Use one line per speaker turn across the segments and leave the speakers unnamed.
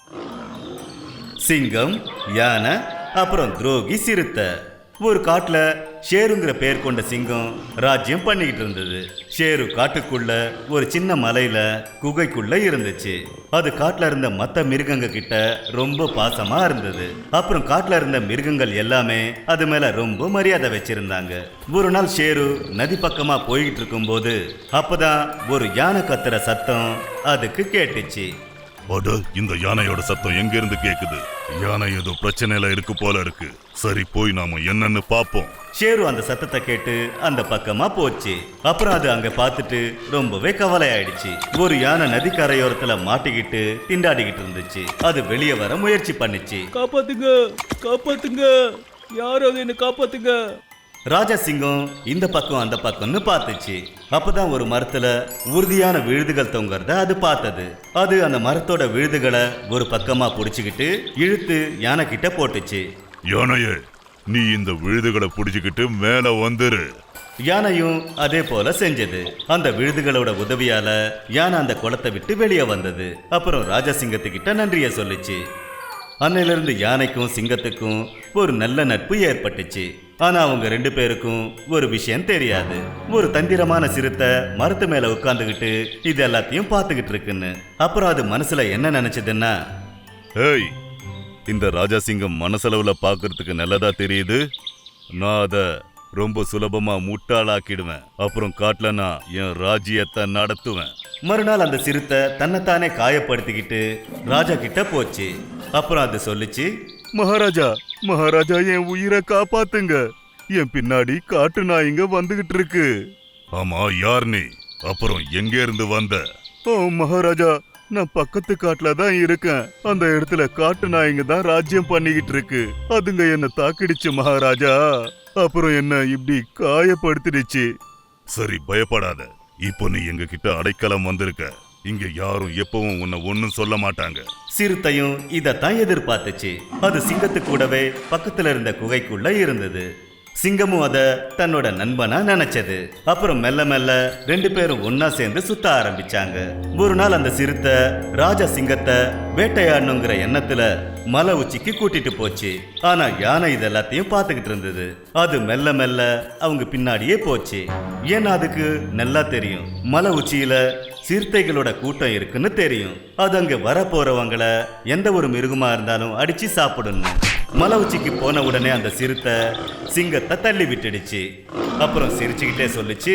சிங்கம், யானை, அப்புறம் துரோகி சிறுத்தை. ஒரு காட்டுல ஷேருங்கிற பேர் கொண்ட சிங்கம் ராஜ்யம் பண்ணிக்கிட்டு இருந்தது. ஷேரு காட்டுக்குள்ள ஒரு சின்ன மலையில குகைக்குள்ள இருந்துச்சு. அது காட்டுல இருந்த மற்ற மிருகங்க கிட்ட ரொம்ப பாசமா இருந்தது. அப்புறம் காட்டுல இருந்த மிருகங்கள் எல்லாமே அது மேல ரொம்ப மரியாதை வச்சிருந்தாங்க. ஒரு நாள் ஷேரு நதி பக்கமா போய்கிட்டு இருக்கும் போது அப்பதான் ஒரு யானை கத்துற சத்தம் அதுக்கு கேட்டுச்சு.
அட, இந்த யானையோட சத்தம் எங்க இருந்து கேக்குது? யானை ஏதோ பிரச்சனையில இருக்கு போல இருக்கு. சரி, போய் நாம என்னன்னு பாப்போம்.
ஷேரு அந்த சத்தத்தை கேட்டு அந்த பக்கமா போச்சு. அப்புறம் அது அங்க பார்த்துட்டு ரொம்பவே கவலை ஆயிடுச்சு. ஒரு யானை நதிக்கரையோரத்துல மாட்டிக்கிட்டு திண்டாடிக்கிட்டு இருந்துச்சு. அது வெளியே வர முயற்சி பண்ணிச்சு.
காப்பாத்துங்க, காப்பாத்துங்க, யாராவது என்ன காப்பாத்துங்க.
ராஜா சிங்கம் இந்த பக்கம் அந்த பக்கம்னு பார்த்துச்சு. அப்பதான் ஒரு மரத்துல உறுதியான விழுதுகள் தொங்குறத அது பார்த்தது. அது அந்த மரத்தோட விழுதுகளை ஒரு பக்கமா புடிச்சுக்கிட்டு இழுத்து யானை கிட்ட போட்டுச்சு.
யானையே, நீ இந்த விழுதுகளை புடிச்சுக்கிட்டு மேல வந்துரு.
யானையும் அதே போல செஞ்சது. அந்த விழுதுகளோட உதவியால யானை அந்த குளத்தை விட்டு வெளியே வந்தது. அப்புறம் ராஜா சிங்கத்துக்கிட்ட நன்றிய சொல்லிச்சு. அன்னையிலிருந்து யானைக்கும் சிங்கத்துக்கும் ஒரு நல்ல நட்பு ஏற்பட்டுச்சு. ஆனா அவங்க ரெண்டு பேருக்கும் ஒரு விஷயம் தெரியாது. ஒரு தந்திரமான சிறுத்தை மரத்து மேல உட்கார்ந்துகிட்டு இது எல்லாத்தையும் பார்த்துக்கிட்டு இருக்குன்னு. அப்புறம் அது மனசுல என்ன நினைச்சதுன்னா,
ஏய், இந்த ராஜா சிங்கம் மனசளவுல பாக்குறதுக்கு நல்லதா தெரியுது. நான் அத ரொம்ப சுலபமா முட்டாளாக்கிடுவேன். அப்புறம் காட்டுல நான் என் ராஜ்யத்தை நடத்துவேன்.
மறுநாள் அந்த சிறுத்தை தன்னைத்தானே காயப்படுத்திக்கிட்டு ராஜா கிட்ட போச்சு. அப்புறம் அது சொல்லிச்சு,
மகாராஜா, மகாராஜா, என் உயிரை காப்பாத்துங்க. என் பின்னாடி காட்டு நாய்ங்க வந்துகிட்டு இருக்கு. ஆமா, யார் நீ? அப்புறம் எங்க இருந்து வந்த? ஓ மகாராஜா, நான் பக்கத்து காட்டுல தான் இருக்கேன். அந்த இடத்துல காட்டு நாய்ங்க தான் ராஜ்யம் பண்ணிக்கிட்டு இருக்கு. அதுங்க என்ன தாக்கிடுச்சு மகாராஜா. அப்புறம் என்ன இப்படி காயப்படுத்திடுச்சு. சரி, பயப்படாத. இப்போ நீ எங்க கிட்ட அடைக்கலம் வந்திருக்க. இங்க யாரும் எப்பவும் உன்னை ஒன்னும் சொல்ல மாட்டாங்க.
சிறுத்தையும் இதத்தான் எதிர்பார்த்துச்சு. அது சிங்கத்து கூடவே பக்கத்துல இருந்த குகைக்குள்ள இருந்தது. சிங்கமும் அத தன்னோட நண்பனா நினைச்சது. அப்புறம் மெல்ல மெல்ல ரெண்டு பேரும் ஒன்னா சேர்ந்து சுத்த ஆரம்பிச்சாங்க. ஒரு நாள் அந்த சிறுத்தை ராஜா சிங்கத்தை வேட்டையாடணுங்கிற எண்ணத்துல மலை உச்சிக்கு கூட்டிட்டு போச்சு. ஆனா யானை இதெல்லாத்தையும் பார்த்துக்கிட்டு இருந்தது. அது மெல்ல மெல்ல அவங்க பின்னாடியே போச்சு. ஏன்னா அதுக்கு நல்லா தெரியும், மலை உச்சியில சிறுத்தைகளோட கூட்டம் இருக்குன்னு தெரியும். அது அங்க வர போறவங்கள எந்த ஒரு மிருகமா இருந்தாலும் அடிச்சு சாப்பிடணும். மலை உச்சிக்கு போன உடனே அந்த சிறுத்தை சிங்கத்தை தள்ளி விட்டுடுச்சு. அப்புறம் சிரிச்சுக்கிட்டே சொல்லிச்சு,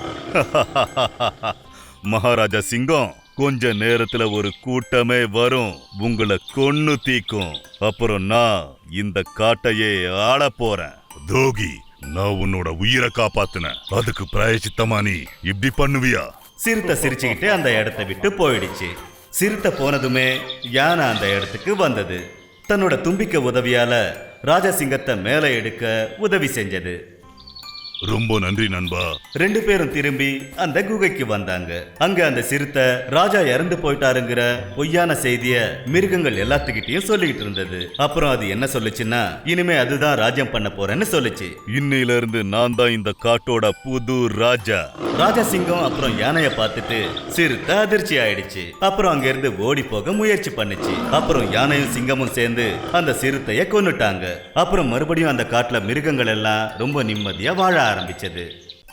மகாராஜா சிங்கம், கொஞ்ச நேரத்துல ஒரு கூட்டமே வரும், உங்களை கொன்னு தீக்கும். அப்புறம் நான் இந்த காட்டையே ஆள போறேன். தோகி, நான் உன்னோட உயிரை காப்பாத்துனேன். அதுக்கு பிராயச்சித்தமா நீ இப்படி பண்ணுவியா?
சிறுத்தை சிரிச்சுக்கிட்டே அந்த இடத்தை விட்டு போயிடுச்சு. சிறுத்தை போனதுமே யானை அந்த இடத்துக்கு வந்தது. தன்னோட தும்பிக்கை உதவியால ராஜா சிங்கத்தை மேலே எடுக்க உதவி செஞ்சது.
ரொம்ப நன்றி நண்பா.
ரெண்டு பேரும் திரும்பி அந்த குகைக்கு வந்தாங்க. அங்க அந்த சிறுத்தை ராஜா இறந்து போயிட்டாருங்கிற பொய்யான செய்திய மிருகங்கள் எல்லாத்துக்கிட்டையும் சொல்லிக்கிட்டு இருந்தது. அப்புறம் அது என்ன சொல்லுச்சுன்னா, இனிமே அதுதான் ராஜ்யம் பண்ண போறேன்னு சொல்லுச்சு.
இன்னையில இருந்து நான் தான் இந்த காட்டோட புது ராஜா.
ராஜா சிங்கம் அப்புறம் யானைய பார்த்துட்டு சிறுத்தை அதிர்ச்சி ஆயிடுச்சு. அப்புறம் அங்க இருந்து ஓடி போக முயற்சி பண்ணுச்சு. அப்புறம் யானையும் சிங்கமும் சேர்ந்து அந்த சிறுத்தைய கொன்னுட்டாங்க. அப்புறம் மறுபடியும் அந்த காட்டுல மிருகங்கள் எல்லாம் ரொம்ப நிம்மதியா வாழ ஆரம்பிச்சது.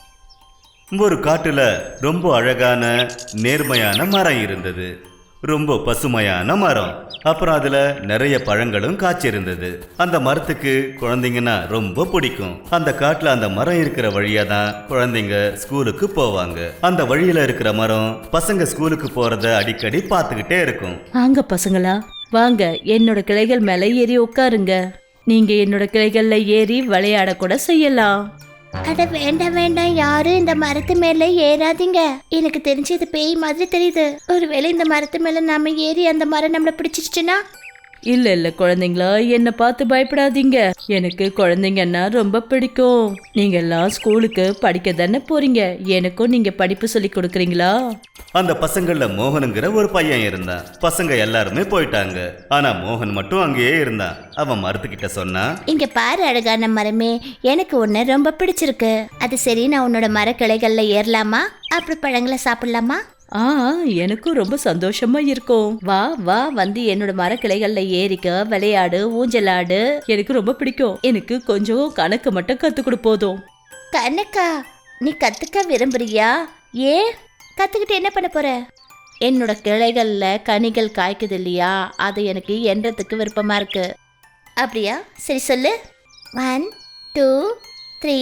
ஒரு காட்டுல ரொம்ப அழகான நேர்மையான மரம் இருந்தது. ரொம்ப பசுமையான மரம். அப்புறம் அதுல நிறைய பழங்களும் காய்ச்சிருந்தது. அந்த மரத்துக்கு குழந்தைங்கன்னா ரொம்ப பிடிக்கும். அந்த காட்டுல அந்த மரம் இருக்கிற வழியா தான் குழந்தைங்க ஸ்கூலுக்கு போவாங்க. அந்த வழியில இருக்கிற மரம் பசங்க ஸ்கூலுக்கு போறத அடிக்கடி பார்த்துக்கிட்டே இருக்கும்.
வாங்க பசங்களா, வாங்க என்னோட கிளைகள் மேல ஏறி உட்காருங்க. நீங்க என்னோட கிளைகள்ல ஏறி விளையாட கூட செய்யலாம்.
அட வேண்டாம் வேண்டாம், யாரும் இந்த மரத்து மேல ஏறாதீங்க. எனக்கு தெரிஞ்சு இது பேய் மாதிரி தெரியுது. ஒருவேளை இந்த மரத்து மேல நாம ஏறி அந்த மரம் நம்மள பிடிச்சிருச்சுன்னா?
இல்ல இல்ல குழந்தைங்களா, என்னை பார்த்து பயப்படாதீங்க. எனக்கு குழந்தைங்கன்னா ரொம்ப பிடிக்கும். நீங்க எல்லாம் ஸ்கூலுக்கு படிக்க தானே போறீங்க. எனக்கும் நீங்க படிப்பு சொல்லி கொடுக்குறீங்களா?
அந்த பசங்கள்ல மோகனுங்கிற ஒரு பையன் இருந்தான். பசங்க எல்லாருமே போயிட்டாங்க. ஆனா மோகன் மட்டும் அங்கேயே இருந்தான். அவன் மரத்துக்கிட்ட சொன்னா,
இங்க பாரு அழகான மரமே, எனக்கு உன்னை ரொம்ப பிடிச்சிருக்கு. அது சரி, நான் உன்னோட மரக்கிளைகள்ல ஏறலாமா? அப்படி பழங்களை சாப்பிடலாமா?
ஆ எனக்கும் ரொம்ப சந்தோஷமா இருக்கும். வா வா வந்து என்னோட மரக்கிளைகள்ல ஏறிக்க, விளையாடு, ஊஞ்சலாடு. எனக்கு ரொம்ப பிடிக்கும். எனக்கு கொஞ்சம் கணக்கு மட்டும் கத்து கொடு போதும்.
கணக்கா? நீ கத்துக்க விரும்புறியா? ஏன்? கத்துக்கிட்டு என்ன பண்ண போற? என்னோட கிளைகள்ல கனிகள் காய்க்குது இல்லையா, அது எனக்கு எண்றதுக்கு விருப்பமா இருக்கு. அப்படியா? சரி சொல்லு. 1 2 3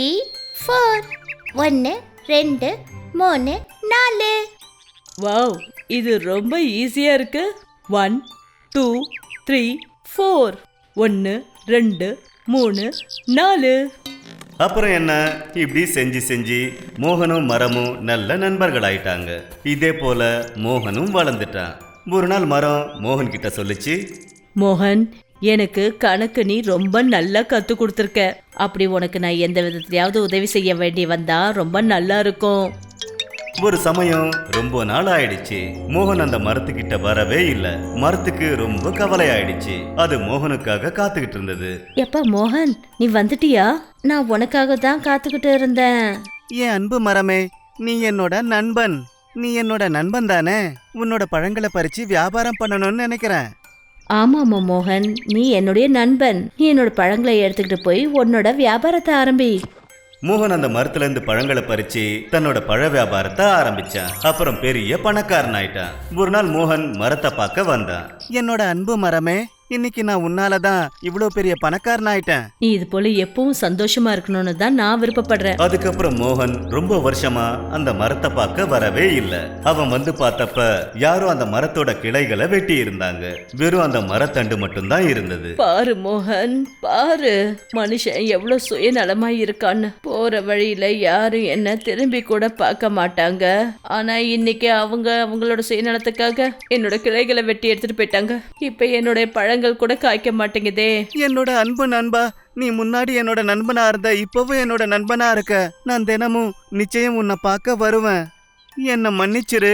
4. 1 2 3 4.
வாவ், இது ரொம்ப ஈஸியா இருக்கு. 1 2 3 4. 1 2 3 4.
அப்புறம் என்ன, இப்படி செஞ்சு செஞ்சு மோகனும் மரமும் நல்ல நண்பர்களாயிட்டாங்க. இதே போல மோகனும் வளர்ந்துட்டான். ஒரு நாள் மரம் மோகன் கிட்ட சொல்லுச்சு,
மோகன், எனக்கு கணக்கு நீ ரொம்ப நல்லா கத்து கொடுத்துருக்க. அப்படி உனக்கு நான் எந்த விதத்திலையாவது உதவி செய்ய வேண்டி வந்தா ரொம்ப நல்லா இருக்கும்.
ஒரு சமயம் ரொம்ப நாள் ஆயிடுச்சு. மோகன் அந்த மரத்துக்கிட்ட வரவே இல்லை. மரத்துக்கு ரொம்ப கவலை ஆயிடுச்சு. அது மோகனுக்காக காத்துக்கிட்டு இருந்தது.
எப்பா மோகன், நீ வந்துட்டியா? நான் உனக்காக தான் காத்துக்கிட்டு இருந்தேன்.
என் அன்பு மரமே, நீ என்னோட நண்பன். நீ என்னோட நண்பன் தானே? உன்னோட பழங்களை பறிச்சு வியாபாரம் பண்ணணும்னு நினைக்கிறேன்.
ஆமாமா மோகன், நீ என்னுடைய நண்பன். நீ என்னோட பழங்களை எடுத்துக்கிட்டு போய் உன்னோட வியாபாரத்தை ஆரம்பி.
மோகன் அந்த மரத்துல இருந்து பழங்களை பறிச்சு தன்னோட பழ வியாபாரத்தை ஆரம்பிச்சான். அப்புறம் பெரிய பணக்காரன் ஆயிட்டான். ஒரு நாள் மோகன் மரத்தை பார்க்க வந்தான்.
என்னோட அன்பு மரமே, இன்னைக்கு நான் உன்னாலதான் இவ்வளோ பெரிய பணக்காரன் ஆயிட்டேன்.
நீ இது போல எப்பவும் சந்தோஷமா இருக்கணும்னு தான் நான் விருப்பப்படுறேன்.
அதுக்கப்புறம் மோகன் ரொம்ப வருஷமா அந்த மரத்தை பார்க்க வரவே இல்லை. அவன் வந்து பார்த்தப்ப யாரோ அந்த மரத்தோட கிளைகளை வெட்டி இருந்தாங்க. வெறும் அந்த மரத்தண்டு மட்டும்தான் இருந்தது.
பாரு மோகன், பாரு மனுஷன் எவ்வளவு சுயநலமா இருக்கான்னு. போற வழியில யாரும் என்ன திரும்பி கூட பார்க்க மாட்டாங்க. ஆனா இன்னைக்கு அவங்களோட சுயநலத்துக்காக என்னோட கிளைகளை வெட்டி எடுத்துட்டு போயிட்டாங்க. இப்ப என்னோட பழங்கள் கூட காய்க்க மாட்டேங்குதே.
என்னோட அன்பு நண்பா, நீ முன்னாடி என்னோட நண்பனா இருந்த, இப்பவும் என்னோட நண்பனா இருக்க. நான் தினமும் நிச்சயம் உன்னை பார்க்க வருவேன். என்னை மன்னிச்சிரு.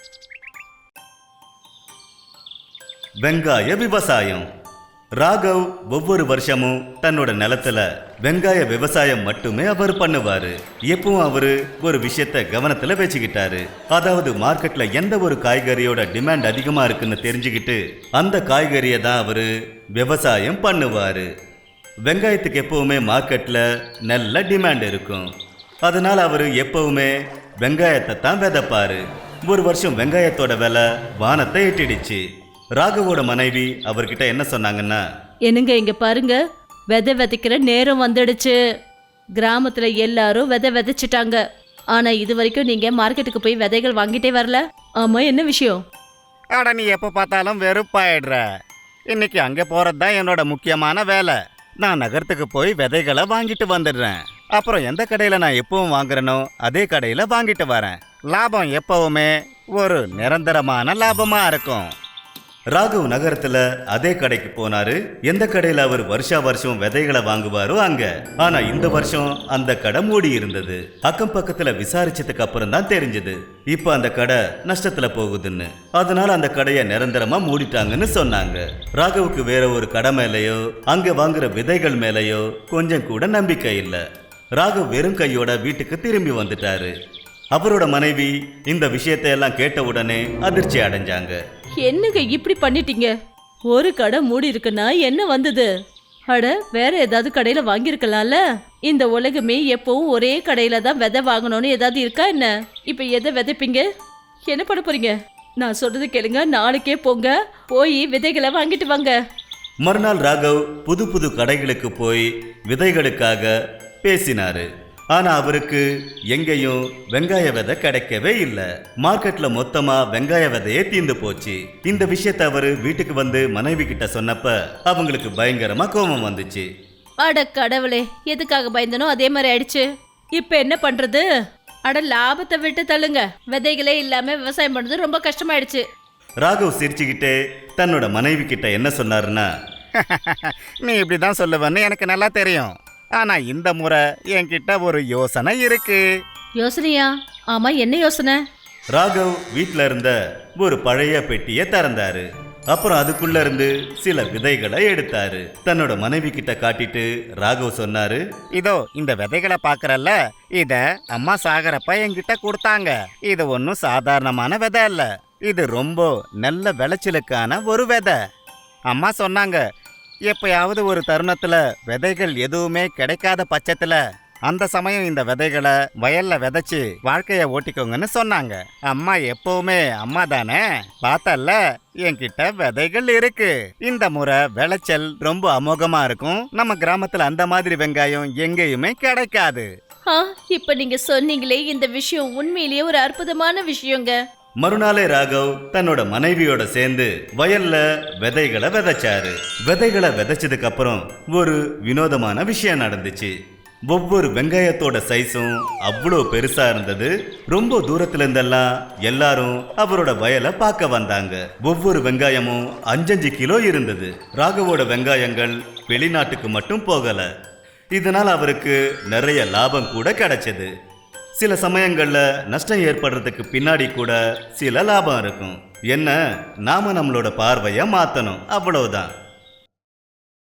வெங்காய விவசாயம். ராகவ் ஒவ்வொரு வருஷமும் தன்னோட நிலத்துல வெங்காய விவசாயம் மட்டுமே அவர் பண்ணுவாரு. எப்பவும் அவரு ஒரு விஷயத்த கவனத்துல வச்சுக்கிட்டாரு. அதாவது மார்க்கெட்ல எந்த ஒரு காய்கறியோட டிமாண்ட் அதிகமா இருக்குன்னு தெரிஞ்சுக்கிட்டு அந்த காய்கறியை தான் அவரு விவசாயம் பண்ணுவாரு. வெங்காயத்துக்கு எப்பவுமே மார்க்கெட்ல நல்ல டிமாண்ட் இருக்கும். அதனால அவரு எப்பவுமே வெங்காயத்தை தான் விதைப்பாரு. ஒரு வருஷம் வெங்காயத்தோட விலை வானத்தை எட்டிடுச்சு. ராகவோட மனைவி அவர்கிட்ட என்ன சொன்னாங்கன்னா,
என்னங்க இங்க பாருங்க, விதை விதைக்கிற நேரம் வந்துடுச்சு. கிராமத்துல எல்லாரும் விதை விதைச்சிட்டாங்க. ஆனா இது வரைக்கும் நீங்க மார்க்கெட்டுக்கு போய் விதைகள் வாங்கிட்டே வரல. ஆமா, என்ன விஷயம்?
அட, நீ எப்ப பார்த்தாலும் வெறுப்பாயிடுற. இன்னைக்கு அங்க போறதுதான் என்னோட முக்கியமான வேலை. நான் நகரத்துக்கு போய் விதைகளை வாங்கிட்டு வந்துடுறேன். அப்புறம் எந்த கடையில நான் எப்பவும் வாங்குறேனோ அதே கடையில வாங்கிட்டு வரேன். லாபம் எப்பவுமே ஒரு நிரந்தரமான லாபமா இருக்கும்.
ராகவ் நகரத்துல அதே கடைக்கு போனாரு. எந்த கடையில அவர் வருஷா வருஷம் விதைகளை வாங்குவாரோ அங்க. ஆனா இந்த வருஷம் அந்த கடை மூடி இருந்தது. அக்கம் பக்கத்துல விசாரிச்சதுக்கு அப்புறம் தான் தெரிஞ்சது இப்ப அந்த கடை நஷ்டத்துல போகுதுன்னு. அதனால அந்த கடையை நிரந்தரமா மூடிட்டாங்கன்னு சொன்னாங்க. ராகவுக்கு வேற ஒரு கடை மேலேயோ அங்க வாங்குற விதைகள் மேலேயோ கொஞ்சம் கூட நம்பிக்கை இல்லை. ராகவ் வெறும் கையோட வீட்டுக்கு திரும்பி வந்துட்டாரு. அவரோட மனைவி இந்த விஷயத்தை எல்லாம் கேட்ட உடனே அதிர்ச்சி அடைஞ்சாங்க.
என்னங்க இப்படி பண்ணிட்டீங்க? ஒரு கடை மூடி இருக்குன்னா என்ன வந்தது? அட, வேற ஏதாவது கடையில வாங்கியிருக்கலாம்ல. இந்த உலகமே எப்பவும் ஒரே கடையில தான் விதை வாங்கணும்னு ஏதாவது இருக்கா என்ன? இப்ப எதை விதைப்பீங்க? என்ன பண்ண போறீங்க? நான் சொல்றது கேளுங்க, நாளைக்கே போங்க, போய் விதைகளை வாங்கிட்டு வாங்க.
மறுநாள் ராகவ் புது புது கடைகளுக்கு போய் விதைகளுக்காக பேசினாரு. ஆனா அவருக்கு எங்கேயும் வெங்காய விதை கிடைக்கவே இல்லை. மார்க்கெட்ல மொத்தமா வெங்காய விதையே தீந்து போச்சு. இந்த விஷயத்தை அவரு வீட்டுக்கு வந்து மனைவி கிட்ட சொன்னப்ப அவங்களுக்கு பயங்கரமா கோபம் வந்துச்சு.
அட கடவுளே, எதுக்காக பயந்தனோ அதே மாதிரி ஆயிடுச்சு. இப்ப என்ன பண்றது? அட, லாபத்தை விட்டு தள்ளுங்க. விதைகளே இல்லாம விவசாயம் பண்றது ரொம்ப கஷ்டமாயிடுச்சு.
ராகவ் சிரிச்சுக்கிட்டே தன்னோட மனைவி கிட்ட என்ன சொன்னாருன்னா,
நீ இப்படிதான் சொல்லுவேன்னு எனக்கு நல்லா தெரியும். ஆனா இந்த முறை என்கிட்ட ஒரு யோசனை இருக்கு.
யோசனையா? ஆமா, என்ன யோசனை?
ராகவ் வீட்ல இருந்த ஒரு பழைய பெட்டியை திறந்தாரு. அப்புறம் அதுக்குள்ள இருந்து சில விதைகளை எடுத்தாரு. தன்னோட மனைவி கிட்ட காட்டிட்டு ராகவ் சொன்னாரு,
இதோ இந்த விதைகளை பாக்குறல்ல, இத அம்மா சாகரப்ப என்கிட்ட கொடுத்தாங்க. இது ஒன்றும் சாதாரணமான விதை இல்ல, இது ரொம்ப நல்ல விளைச்சலுக்கான ஒரு விதை. அம்மா சொன்னாங்க, எப்பயாவது ஒரு தருணத்துல விதைகள் எதுவுமே கிடைக்காத பட்சத்துல அந்த சமயம் இந்த விதைகளை வயல்ல விதைச்சு வாழ்க்கைய ஓட்டிக்கோங்கன்னு சொன்னாங்க. அம்மா எப்பவுமே அம்மா தானே, பார்த்தல்ல என்கிட்ட விதைகள் இருக்கு. இந்த முறை விளைச்சல் ரொம்ப அமோகமா இருக்கும். நம்ம கிராமத்துல அந்த மாதிரி வெங்காயம் எங்கேயுமே கிடைக்காது.
இப்ப நீங்க சொன்னீங்களே, இந்த விஷயம் உண்மையிலேயே ஒரு அற்புதமான விஷயங்க.
மறுநாளே ராகவ் தன்னோட மனைவியோட சேர்ந்து வயல்ல விதைகளை விதைச்சாரு. விதைகளை விதைச்சதுக்கு அப்புறம் ஒரு வினோதமான விஷயம் நடந்துச்சு. ஒவ்வொரு வெங்காயத்தோட சைஸும் அவ்வளோ பெருசா இருந்தது. ரொம்ப தூரத்துல இருந்தெல்லாம் எல்லாரும் அவரோட வயலை பார்க்க வந்தாங்க. ஒவ்வொரு வெங்காயமும் 5 கிலோ இருந்தது. ராகவோட வெங்காயங்கள் வெளிநாட்டுக்கு மட்டும் போகல. இதனால் அவருக்கு நிறைய லாபம் கூட கிடைச்சது. சில சமயங்கள்ல நஷ்டம் ஏற்படுறதுக்கு பின்னாடி கூட சில லாபம் இருக்கும். என்ன, நாம நம்மளோட பார்வையை மாத்தணும், அவ்வளவுதான்.